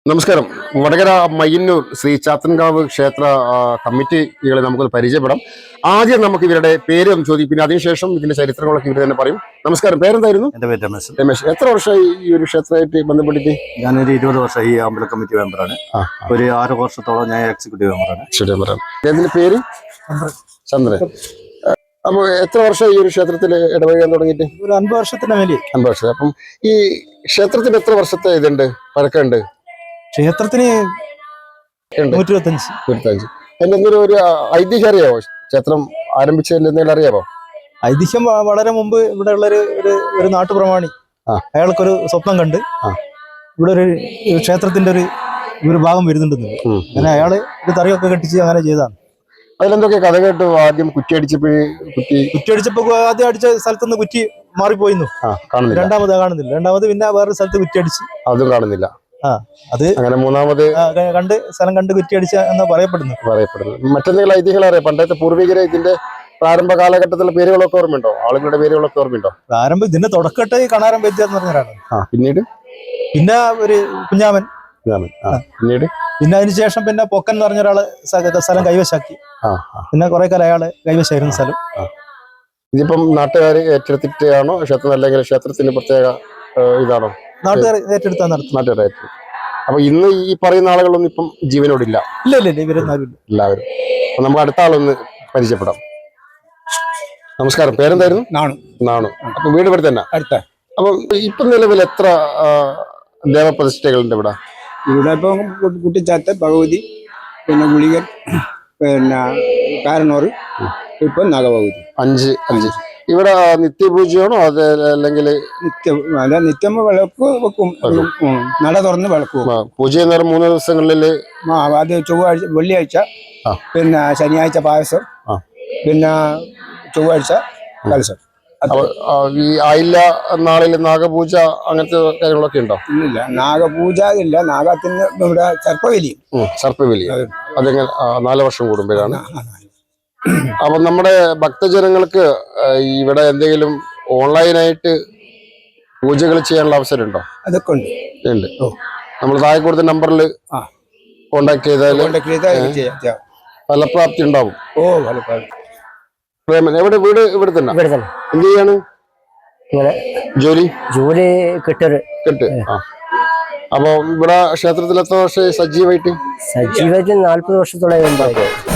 നമസ്കാരം. വടകര മയ്യന്നൂർ ശ്രീ ചാത്തൻകാവ് ക്ഷേത്ര കമ്മിറ്റികളെ നമുക്കൊന്ന് പരിചയപ്പെടാം. ആദ്യം നമുക്ക് ഇവരുടെ പേര് ഒന്ന് ചോദിക്കും, പിന്നെ അതിനുശേഷം ഇതിന്റെ ചരിത്രങ്ങളൊക്കെ ഇവർ തന്നെ പറയും. നമസ്കാരം, പേരെന്തായിരുന്നു? എന്റെ പേര് രമേശ്. രമേശ്, എത്ര വർഷമായി ഈ ഒരു ക്ഷേത്രമായിട്ട് ബന്ധപ്പെട്ടിട്ട്? ഞാനൊരു 20 വർഷം ഈ അമ്പല കമ്മിറ്റി മെമ്പറാണ്. ഒരു 6 വർഷത്തോളം ഞാൻ എക്സിക്യൂട്ടീവ് മെമ്പറാണ്. ഇതിന്റെ പേര് ചന്ദ്രൻ. അപ്പൊ എത്ര വർഷം ഈ ഒരു ക്ഷേത്രത്തിൽ ഇടപഴകാൻ തുടങ്ങിയിട്ട്? ഒരു 50 വർഷത്തിന് മേലെ. 50 വർഷം. അപ്പം ഈ ക്ഷേത്രത്തിന് എത്ര വർഷത്തെ ഇതുണ്ട്, പഴക്കമുണ്ട്? ക്ഷേത്രത്തിന് 125. എന്തെങ്കിലും ഒരു ഐതിഹ്യം അറിയാമോ? ക്ഷേത്രം ആരംഭിച്ചതിൽ എന്തെങ്കിലും അറിയാമോ? ഐതിഹ്യം വളരെ മുമ്പ് ഇവിടെ ഉള്ള ഒരു നാട്ടുപ്രമാണി അയാൾക്കൊരു സ്വപ്നം കണ്ട് ഇവിടെ ഒരു ക്ഷേത്രത്തിന്റെ ഒരു ഭാഗം വരുന്നുണ്ടെന്ന്. അങ്ങനെ അയാള് ഒരു തറിയൊക്കെ കെട്ടിച്ച് അങ്ങനെ ചെയ്താണ്. അതിലെന്തൊക്കെ കഥ കേട്ടു? ആദ്യം കുറ്റിയടിച്ചപ്പോ ആദ്യം അടിച്ച സ്ഥലത്തുനിന്ന് കുറ്റി മാറിപ്പോയിന്നു. രണ്ടാമത് കാണുന്നില്ല. രണ്ടാമത് പിന്നെ വേറൊരു സ്ഥലത്ത് കുറ്റിയടിച്ച് അതും കാണുന്നില്ല. അത് അങ്ങനെ മൂന്നാമത് സ്ഥലം കണ്ട് കുറ്റിയടിച്ച എന്ന് പറയപ്പെടുന്നു. മറ്റെന്തെങ്കിലും ഐതിഹ്യം അറിയാം? പണ്ടത്തെ പൂർവികരെ ഇതിന്റെ പ്രാരംഭ കാലഘട്ടത്തിലെ പേരുകളൊക്കെ ഓർമ്മയുണ്ടോ? ആളുകളുടെ പേരുകളൊക്കെ ഓർമ്മയുണ്ടോ? പ്രാരംഭം ഇതിന്റെ തുടക്കട്ടെ കണാരം വൈദ്യ എന്ന് പറഞ്ഞാണ്. പിന്നെ ഒരു കുഞ്ഞാമൻ. പിന്നെ അതിനുശേഷം പിന്നെ പൊക്കൻ എന്ന് പറഞ്ഞ ഒരാള് സ്ഥലം കൈവശാക്കി. പിന്നെ കുറെ കാലം അയാള് കൈവശമായിരുന്നു സ്ഥലം. ഇതിപ്പം നാട്ടുകാർ ഏറ്റെടുത്തിട്ടാണോ ക്ഷേത്രം, അല്ലെങ്കിൽ ക്ഷേത്രത്തിന് പ്രത്യേക ഇതാണോ? നാട്ടുകാർ ഏറ്റെടുത്താ നടത്തും. അപ്പൊ ഇന്ന് ഈ പറയുന്ന ആളുകളൊന്നും ഇപ്പം ജീവനോടില്ല. ഇല്ല ഇവരൊന്നും എല്ലാവരും. അപ്പൊ നമുക്ക് അടുത്ത ആളൊന്ന് പരിചയപ്പെടാം. നമസ്കാരം, പേരെന്തായിരുന്നു? നാണു. അപ്പൊ വീട് ഇവിടെ തന്നെ അടുത്ത. അപ്പൊ ഇപ്പൊ നിലവിൽ എത്ര ദേവപ്രതിഷ്ഠകളുണ്ട് ഇവിടെ? ഇവിടെ ഇപ്പം കുട്ടിച്ചാത്ത, ഭഗവതി, പിന്നെ ഗുളികൻ, പിന്നെ കാരണോറ്, ഇപ്പൊ നാഗഭഗവതി. 5 ഇവിടെ നിത്യപൂജയാണോ? അത് അല്ലെങ്കിൽ നിത്യം വിളക്ക് വെക്കും. നട തുറന്ന് വിളക്ക് വെക്കും. പൂജ ചെയ്യുന്ന 3 ദിവസങ്ങളില് അത് ചൊവ്വാഴ്ച, വെള്ളിയാഴ്ച, പിന്നെ ശനിയാഴ്ച പായസം, പിന്നെ ചൊവ്വാഴ്ച കലശം. ഈ ആയില്ല നാളിൽ നാഗപൂജ അങ്ങനത്തെ കാര്യങ്ങളൊക്കെ ഉണ്ടോ? ഇല്ല, നാഗപൂജ ഇല്ല. നാഗത്തിന് ഇവിടെ സർപ്പബലി അതെങ്ങനെ 4 വർഷം കൂടുമ്പോഴാണ്. അപ്പൊ നമ്മുടെ ഭക്തജനങ്ങൾക്ക് ഇവിടെ എന്തെങ്കിലും ഓൺലൈനായിട്ട് പൂജകൾ ചെയ്യാനുള്ള അവസരം ഉണ്ടോ? അതൊക്കെ ഉണ്ട്. നമ്മൾ താഴെ കൊടുത്ത നമ്പറിൽ കോണ്ടാക്ട് ചെയ്താൽ ഫലപ്രാപ്തി ഉണ്ടാവും. എവിടെ വീട്? ഇവിടെ തന്നെ. എന്ത് ചെയ്യാണ്? ജോലി കെട്ട്. അപ്പൊ ഇവിടെ ക്ഷേത്രത്തിൽ എത്ര വർഷം സജീവമായിട്ട്? 40 വർഷത്തോളം